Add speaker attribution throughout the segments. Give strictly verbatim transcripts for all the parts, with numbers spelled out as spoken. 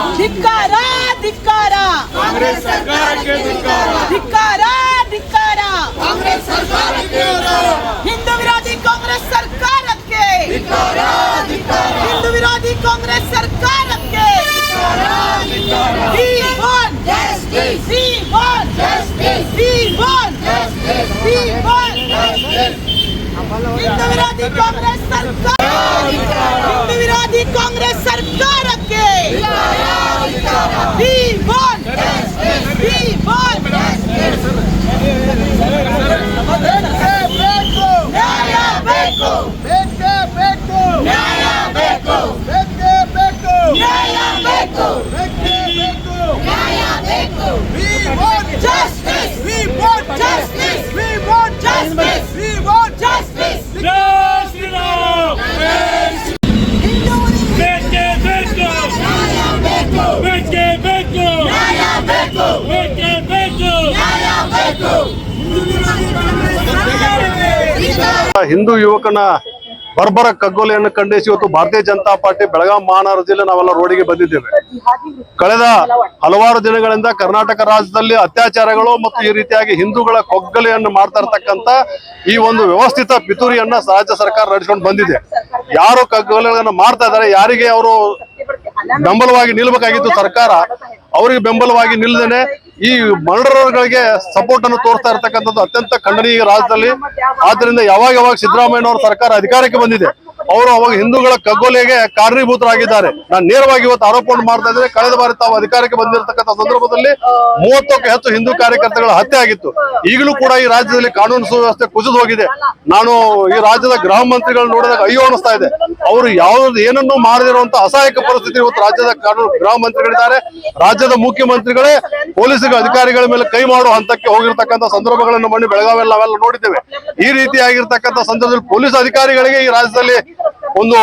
Speaker 1: ಧಿಕ್ಕಾರ ಧಿಕ್ಕಾರ
Speaker 2: ಕಾಂಗ್ರೆಸ್ ಸರ್ಕಾರಕ್ಕೆ ಧಿಕ್ಕಾರ
Speaker 1: ಧಿಕ್ಕಾರ ಧಿಕ್ಕಾರ
Speaker 2: ಕಾಂಗ್ರೆಸ್ ಸರ್ಕಾರಕ್ಕೆ
Speaker 1: ಹಿಂದೂ ವಿರೋಧಿ ಕಾಂಗ್ರೆಸ್ ಸರ್ಕಾರಕ್ಕೆ
Speaker 2: ಧಿಕ್ಕಾರ ಧಿಕ್ಕಾರ
Speaker 1: ಹಿಂದೂ ವಿರೋಧಿ ಕಾಂಗ್ರೆಸ್ ಸರ್ಕಾರಕ್ಕೆ
Speaker 2: We
Speaker 1: want
Speaker 2: justice.
Speaker 1: We want
Speaker 2: Justice.
Speaker 1: We want
Speaker 2: Justice.
Speaker 1: We want
Speaker 2: Justice.
Speaker 1: Hindu ವಿರೋಧಿ ಕಾಂಗ್ರೆಸ್ ಸರ್ಕಾರ ಹಿಂದೂ ವಿರೋಧಿ ಕಾಂಗ್ರೆಸ್ ಸರ್ಕಾರಕ್ಕೆ We want We want ನ್ಯಾಯ ಬೇಕು
Speaker 2: ಬೇಕೇ ಬೇಕು
Speaker 1: ನ್ಯಾಯ ಬೇಕು
Speaker 2: ಬೇಕೇ ಬೇಕು
Speaker 1: ನ್ಯಾಯ ಬೇಕು
Speaker 2: ಬೇಕೇ ಬೇಕು
Speaker 1: ನ್ಯಾಯ ಬೇಕು
Speaker 2: We want
Speaker 1: Justice.
Speaker 2: We want
Speaker 1: Justice.
Speaker 2: We want
Speaker 1: Justice.
Speaker 2: We want
Speaker 1: Justice.
Speaker 3: ಜೈ ಶ್ರೀರಾಮ್
Speaker 1: ಹಿಂದೂ
Speaker 3: ಬೇಕೇ ಬೇಕು
Speaker 1: ನ್ಯಾಯ ಬೇಕು
Speaker 3: ಬೇಕೇ ಬೇಕು
Speaker 1: ನ್ಯಾಯ ಬೇಕು
Speaker 3: ಬೇಕೇ ಬೇಕು
Speaker 1: ನ್ಯಾಯ ಬೇಕು
Speaker 4: ಹಿಂದೂ ಯುವಕನ ಬರ್ಬರ ಕಗ್ಗೊಲೆಯನ್ನು ಖಂಡಿಸಿ ಇವತ್ತು ಭಾರತೀಯ ಜನತಾ ಪಾರ್ಟಿ ಬೆಳಗಾವಿ ಮಹಾನಗರ ಜಿಲ್ಲೆ ನಾವೆಲ್ಲ ರೋಡಿಗೆ ಬಂದಿದ್ದೇವೆ. ಕಳೆದ ಹಲವಾರು ದಿನಗಳಿಂದ ಕರ್ನಾಟಕ ರಾಜ್ಯದಲ್ಲಿ ಅತ್ಯಾಚಾರಗಳು ಮತ್ತು ಈ ರೀತಿಯಾಗಿ ಹಿಂದೂಗಳ ಕೊಗ್ಗಲೆಯನ್ನು ಮಾಡ್ತಾ ಇರ್ತಕ್ಕಂಥ ಈ ಒಂದು ವ್ಯವಸ್ಥಿತ ಪಿತೂರಿಯನ್ನ ರಾಜ್ಯ ಸರ್ಕಾರ ನಡೆಸಿಕೊಂಡು ಬಂದಿದೆ. ಯಾರು ಕಗ್ಗೊಲೆಗಳನ್ನು ಮಾಡ್ತಾ ಇದ್ದಾರೆ, ಯಾರಿಗೆ ಅವರು ಬೆಂಬಲವಾಗಿ ನಿಲ್ಬೇಕಾಗಿತ್ತು ಸರ್ಕಾರ, ಅವರಿಗೆ ಬೆಂಬಲವಾಗಿ ನಿಲ್ಲದೇನೆ ಈ ಮರ್ಡರ್ಗಳಿಗೆ ಸಪೋರ್ಟ್ ಅನ್ನು ತೋರಿಸ್ತಾ ಇರ್ತಕ್ಕಂಥದ್ದು ಅತ್ಯಂತ ಖಂಡನೀಯ ರಾಜ್ಯದಲ್ಲಿ. ಆದ್ರಿಂದ ಯಾವಾಗ ಯಾವಾಗ ಸಿದ್ದರಾಮಯ್ಯನವರ ಸರ್ಕಾರ ಅಧಿಕಾರಕ್ಕೆ ಬಂದಿದೆ, ಅವರು ಅವಾಗ ಹಿಂದೂಗಳ ಕಗ್ಗೊಲೆಗೆ ಕಾರಣೀಭೂತರಾಗಿದ್ದಾರೆ. ನಾನು ನೇರವಾಗಿ ಇವತ್ತು ಆರೋಪ ಮಾಡ್ತಾ ಇದ್ದೇನೆ. ಕಳೆದ ಬಾರಿ ತಾವು ಅಧಿಕಾರಕ್ಕೆ ಬಂದಿರತಕ್ಕಂಥ ಸಂದರ್ಭದಲ್ಲಿ ಮೂವತ್ತಕ್ಕೂ ಹೆಚ್ಚು ಹಿಂದೂ ಕಾರ್ಯಕರ್ತಗಳ ಹತ್ಯೆ ಆಗಿತ್ತು. ಈಗಲೂ ಕೂಡ ಈ ರಾಜ್ಯದಲ್ಲಿ ಕಾನೂನು ಸುವ್ಯವಸ್ಥೆ ಕುಸಿದು ಹೋಗಿದೆ. ನಾನು ಈ ರಾಜ್ಯದ ಗೃಹ ಮಂತ್ರಿಗಳು ನೋಡಿದಾಗ ಅಯ್ಯೋ ಅನಿಸ್ತಾ ಇದೆ. ಅವರು ಯಾವ್ದು ಏನನ್ನೂ ಮಾಡದಿರುವಂತ ಅಸಹಾಯಕ ಪರಿಸ್ಥಿತಿ ಇವತ್ತು ರಾಜ್ಯದ ಕಾನೂನು ಗೃಹ ಮಂತ್ರಿಗಳಿದ್ದಾರೆ. ರಾಜ್ಯದ ಮುಖ್ಯಮಂತ್ರಿಗಳೇ ಪೊಲೀಸ್ ಅಧಿಕಾರಿಗಳ ಮೇಲೆ ಕೈ ಮಾಡುವ ಹಂತಕ್ಕೆ ಹೋಗಿರ್ತಕ್ಕಂಥ ಸಂದರ್ಭಗಳನ್ನು ಮಣ್ಣಿ ಬೆಳಗಾವಿಯಲ್ಲಿ ನಾವೆಲ್ಲ ನೋಡಿದ್ದೇವೆ. ಈ ರೀತಿಯಾಗಿರ್ತಕ್ಕಂಥ ಸಂದರ್ಭದಲ್ಲಿ ಪೊಲೀಸ್ ಅಧಿಕಾರಿಗಳಿಗೆ ಈ ರಾಜ್ಯದಲ್ಲಿ ಒಂದು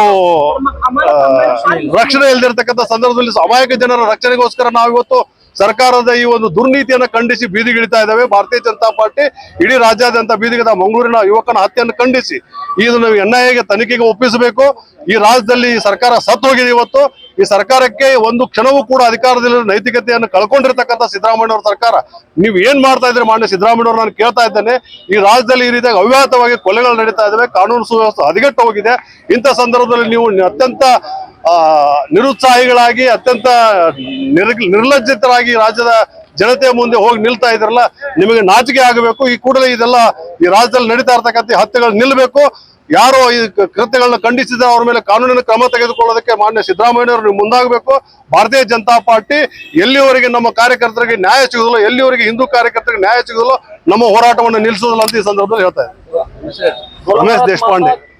Speaker 4: ರಕ್ಷಣೆ ಇಲ್ಲದಿರ್ತಕ್ಕಂಥ ಸಂದರ್ಭದಲ್ಲಿ ಅಮಾಯಕ ಜನರ ರಕ್ಷಣೆಗೋಸ್ಕರ ನಾವು ಇವತ್ತು ಸರ್ಕಾರದ ಈ ಒಂದು ದುರ್ನೀತಿಯನ್ನು ಖಂಡಿಸಿ ಬೀದಿಗಿಳಿತಾ ಇದ್ದಾವೆ. ಭಾರತೀಯ ಜನತಾ ಪಾರ್ಟಿ ಇಡೀ ರಾಜ್ಯಾದ್ಯಂತ ಬೀದಿಗಿದ ಮಂಗಳೂರಿನ ಯುವಕನ ಹತ್ಯೆಯನ್ನು ಖಂಡಿಸಿ ಇದನ್ನು ಎನ್ ಐ ಎಗೆ ತನಿಖೆಗೆ ಒಪ್ಪಿಸಬೇಕು. ಈ ರಾಜ್ಯದಲ್ಲಿ ಈ ಸರ್ಕಾರ ಸತ್ತು ಹೋಗಿದೆ. ಇವತ್ತು ಈ ಸರ್ಕಾರಕ್ಕೆ ಒಂದು ಕ್ಷಣವೂ ಕೂಡ ಅಧಿಕಾರದಲ್ಲಿ ನೈತಿಕತೆಯನ್ನು ಕಳ್ಕೊಂಡಿರ್ತಕ್ಕಂಥ ಸಿದ್ದರಾಮಯ್ಯನವರ ಸರ್ಕಾರ, ನೀವು ಏನ್ ಮಾಡ್ತಾ ಇದ್ರೆ ಮಾನ್ಯ ಸಿದ್ದರಾಮಯ್ಯನವರು ನಾನು ಕೇಳ್ತಾ ಇದ್ದೇನೆ. ಈ ರಾಜ್ಯದಲ್ಲಿ ಈ ರೀತಿಯಾಗಿ ಅವ್ಯಾಹತವಾಗಿ ಕೊಲೆಗಳು ನಡೀತಾ ಇದ್ದಾವೆ, ಕಾನೂನು ಸುವ್ಯವಸ್ಥೆ ಹದಗೆಟ್ಟು ಹೋಗಿದೆ. ಇಂಥ ಸಂದರ್ಭದಲ್ಲಿ ನೀವು ಅತ್ಯಂತ ಆ ನಿರುತ್ಸಾಹಿಗಳಾಗಿ ಅತ್ಯಂತ ನಿರ್ ನಿರ್ಲಜ್ಜಿತರಾಗಿ ರಾಜ್ಯದ ಜನತೆಯ ಮುಂದೆ ಹೋಗಿ ನಿಲ್ತಾ ಇದ್ರಲ್ಲ, ನಿಮಗೆ ನಾಚಿಕೆ ಆಗಬೇಕು. ಈ ಕೂಡಲೇ ಇದೆಲ್ಲ ಈ ರಾಜ್ಯದಲ್ಲಿ ನಡೀತಾ ಇರ್ತಕ್ಕಂಥ ಹತ್ಯೆಗಳು ನಿಲ್ಲಬೇಕು. ಯಾರು ಈ ಕೃತ್ಯಗಳನ್ನ ಖಂಡಿಸಿದ್ರೆ ಅವ್ರ ಮೇಲೆ ಕಾನೂನಿನ ಕ್ರಮ ತೆಗೆದುಕೊಳ್ಳೋದಕ್ಕೆ ಮಾನ್ಯ ಸಿದ್ದರಾಮಯ್ಯನವರು ನೀವು ಮುಂದಾಗಬೇಕು. ಭಾರತೀಯ ಜನತಾ ಪಾರ್ಟಿ ಎಲ್ಲಿವರೆಗೆ ನಮ್ಮ ಕಾರ್ಯಕರ್ತರಿಗೆ ನ್ಯಾಯ ಸಿಗುದಿಲ್ಲ, ಎಲ್ಲಿವರೆಗೆ ಹಿಂದೂ ಕಾರ್ಯಕರ್ತರಿಗೆ ನ್ಯಾಯ ಸಿಗುದಿಲ್ಲ, ನಮ್ಮ ಹೋರಾಟವನ್ನು ನಿಲ್ಲಿಸುವುದಿಲ್ಲ ಅಂತ ಈ ಸಂದರ್ಭದಲ್ಲಿ ಹೇಳ್ತಾ ಇದ್ದಾರೆ. ರಮೇಶ್ ದೇಶಪಾಂಡೆ.